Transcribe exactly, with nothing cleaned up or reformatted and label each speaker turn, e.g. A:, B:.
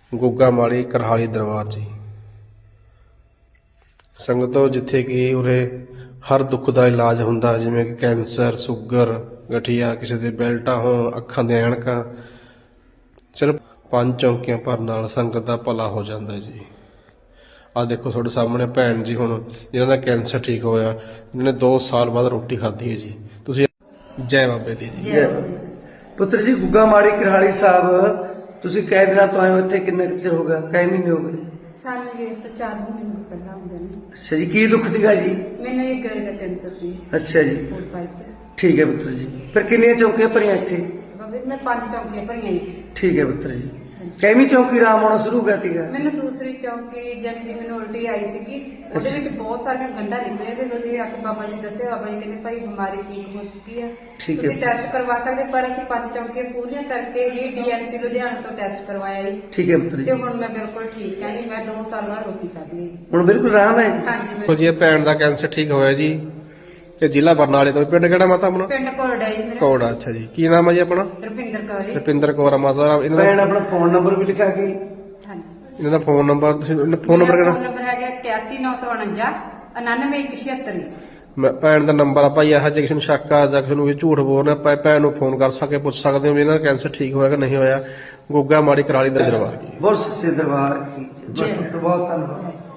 A: ਗੁੱਗਾ ਮਾੜੀ ਕਰਹਾਲੀ ਦਰਬਾਰ ਜੀ। ਸੰਗਤੋਂ ਜਿੱਥੇ ਕਿ ਉਰੇ ਹਰ ਦੁੱਖ ਦਾ ਇਲਾਜ ਹੁੰਦਾ, ਜਿਵੇਂ ਕਿ ਕੈਂਸਰ, ਸ਼ੂਗਰ, ਗਠੀਆ, ਕਿਸੇ ਦੇ ਬੈਲਟਾਂ ਹੋਣ, ਅੱਖਾਂ ਦੀਆਂ ਐਨਕਾਂ, ਸਿਰਫ ਪੰਜ ਚੌਂਕੀਆਂ ਭਰਨ ਨਾਲ ਸੰਗਤ ਦਾ ਭਲਾ ਹੋ ਜਾਂਦਾ ਜੀ। ਆਹ ਦੇਖੋ ਤੁਹਾਡੇ ਸਾਹਮਣੇ ਭੈਣ ਜੀ ਹੁਣ ਜਿਹਨਾਂ ਦਾ ਕੈਂਸਰ ਠੀਕ ਹੋਇਆ, ਜਿਹਨਾਂ ਨੇ ਦੋ ਸਾਲ ਬਾਅਦ ਰੋਟੀ ਖਾਧੀ ਹੈ ਜੀ। ਤੁਸੀਂ ਜੈ ਬਾਬੇ ਦੀ ਜੀ।
B: ਜੈ ਪੁੱਤਰ ਜੀ, ਗੁੱਗਾ ਮਾੜੀ ਕਰਹਾਲੀ ਸਾਹਿਬ ਤੁਸੀਂ ਕਈ ਦਿਨਾਂ ਤੋਂ ਆਏ ਹੋ ਇੱਥੇ? ਕਿੰਨਾ ਕੁ ਚਿਰ ਹੋ ਗਿਆ? ਕਈ ਮਹੀਨੇ ਹੋ ਗਏ?
C: ਸਾਨੂੰ ਜੀ ਇਸ ਤੋਂ ਚਾਰ ਮਹੀਨੇ ਪਹਿਲਾਂ ਆਉਂਦੇ ਨੇ।
B: ਅੱਛਾ ਜੀ, ਕੀ ਦੁੱਖ ਸੀਗਾ ਜੀ?
C: ਮੈਨੂੰ ਇਹ ਗਲੇ ਦਾ ਕੈਂਸਰ ਸੀ।
B: ਅੱਛਾ ਜੀ,
C: ਫੂਡ ਪਾਈਪ ਤੇ।
B: ਠੀਕ ਹੈ ਪੁੱਤਰ ਜੀ। ਫਿਰ ਕਿੰਨੀਆਂ ਚੌਂਕੀਆਂ ਭਰੀਆਂ ਇੱਥੇ?
C: ਬਾਬੇ ਮੈਂ ਪੰਜ ਚੌਂਕੀਆਂ ਭਰੀਆਂ ਜੀ।
B: ਠੀਕ ਹੈ ਪੁੱਤਰ ਜੀ। ਕੈਵੀਂ ਚੌਂਕੀ ਆਰਾਮ ਆਉਣਾ ਸ਼ੁਰੂ ਕਰ ਸੀਗਾ?
C: ਮੈਨੂੰ ਦੂਸਰੀ ਚੌਂਕੀ ਜਾਨੀ ਕਿ ਮੈਨੂੰ ਉਲਟੀ ਆਈ ਸੀਗੀ, ਉਹਦੇ ਵਿੱਚ ਬਹੁਤ ਸਾਰੀਆਂ ਗੰਢਾਂ ਨਿਕਲੀਆਂ ਸੀ। ਤੁਸੀਂ ਆ ਕੇ ਬਾਬਾ ਜੀ ਦੱਸਿਆ, ਬਾਬਾ ਜੀ ਕਹਿੰਦੇ ਭਾਈ ਬਿਮਾਰੀ ਠੀਕ ਹੋ ਚੁੱਕੀ ਹੈ,
B: ਠੀਕ ਹੈ।
C: ਤੁਸੀਂ ਟੈਸਟ ਕਰਵਾ ਸਕਦੇ। ਪਰ ਅਸੀਂ ਪੰਜ ਚੌਂਕੀਆਂ ਪੂਰੀਆਂ ਕਰਕੇ ਹੀ ਡੀਐਮਸੀ ਲੁਧਿਆਣਾ ਤੋਂ ਟੈਸਟ ਕਰਵਾਇਆ ਜੀ।
B: ਠੀਕ ਹੈ ਪੁੱਤਰ
C: ਤੇ
B: ਜੀ।
C: ਹੁਣ ਮੈਂ ਬਿਲਕੁਲ ਠੀਕ ਹਾਂ ਜੀ। ਮੈਂ ਦੋ ਸਾਲ ਬਾਅਦ ਰੋਟੀ ਖਾਧੀ ਹੈ।
B: ਹੁਣ ਬਿਲਕੁਲ ਆਰਾਮ ਹੈ?
C: ਹਾਂਜੀ
A: ਦੇਖੋ ਜੀ, ਇਹ ਭੈਣ ਦਾ ਕੈਂਸਰ ਠੀਕ ਹੋਇਆ ਜੀ। ਤੇ ਜ਼ਿਲ੍ਹਾ ਬਰਨਾਲੇ ਤੋਂ। ਪਿੰਡ ਕਿਹੜਾ ਮਾਤਾ ਆਪਣਾ?
C: ਪਿੰਡ ਕੋੜਾ ਜੀ ਮੇਰਾ।
A: ਕੋੜਾ। ਅੱਛਾ ਜੀ, ਕੀ ਨਾਮ ਹੈ ਜੀ ਆਪਣਾ?
C: ਰੁਪਿੰਦਰ ਕੌਰ ਜੀ।
A: ਰੁਪਿੰਦਰ ਕੌਰ ਆ ਮਾਤਾ ਦਾ। ਇਹਨਾਂ
B: ਭੈਣ
A: ਦਾ
B: ਆਪਣਾ ਫੋਨ ਨੰਬਰ ਵੀ ਲਿਖਾ ਕੇ?
C: ਹਾਂਜੀ।
A: ਇਹਨਾਂ ਦਾ ਫੋਨ ਨੰਬਰ ਤੁਸੀਂ ਫੋਨ ਨੰਬਰ
C: ਮੇਰਾ
A: ਕਿਹੜਾ?
C: ਫੋਨ ਨੰਬਰ ਹੈਗਾ ਇਕਿਆਸੀ ਨੌ ਸੌ ਉਣੰਜਾ ਉਨਾਨਵੇਂ ਇੱਕ ਛਿਅੱਤਰ।
A: ਮੈਂ ਭੈਣ ਦਾ ਨੰਬਰ ਆ ਭਾਈ। ਇਹੋ ਜਿਹੇ ਕਿਸੇ ਨੂੰ ਸ਼ੱਕ ਆ ਜਾਂ ਕਿਸੇ ਨੂੰ ਵੀ ਝੂਠ ਬੋਲਣਾ, ਆਪਾਂ ਭੈਣ ਨੂੰ ਫੋਨ ਕਰ ਸਕੇ, ਪੁੱਛ ਸਕਦੇ ਹੋ ਵੀ ਇਹਨਾਂ ਦਾ ਕੈਂਸਰ ਠੀਕ ਹੋਇਆ ਕਿ ਨਹੀਂ ਹੋਇਆ। ਗੁੱਗਾ ਮਾੜੀ ਕਰਹਾਲੀ ਦਾ ਦਰਬਾਰ।
B: ਬਹੁਤ ਸੱਚੇ ਦਰਬਾਰ ਕੀ। ਬਸ ਬਹੁਤ ਧੰਨਵਾਦ।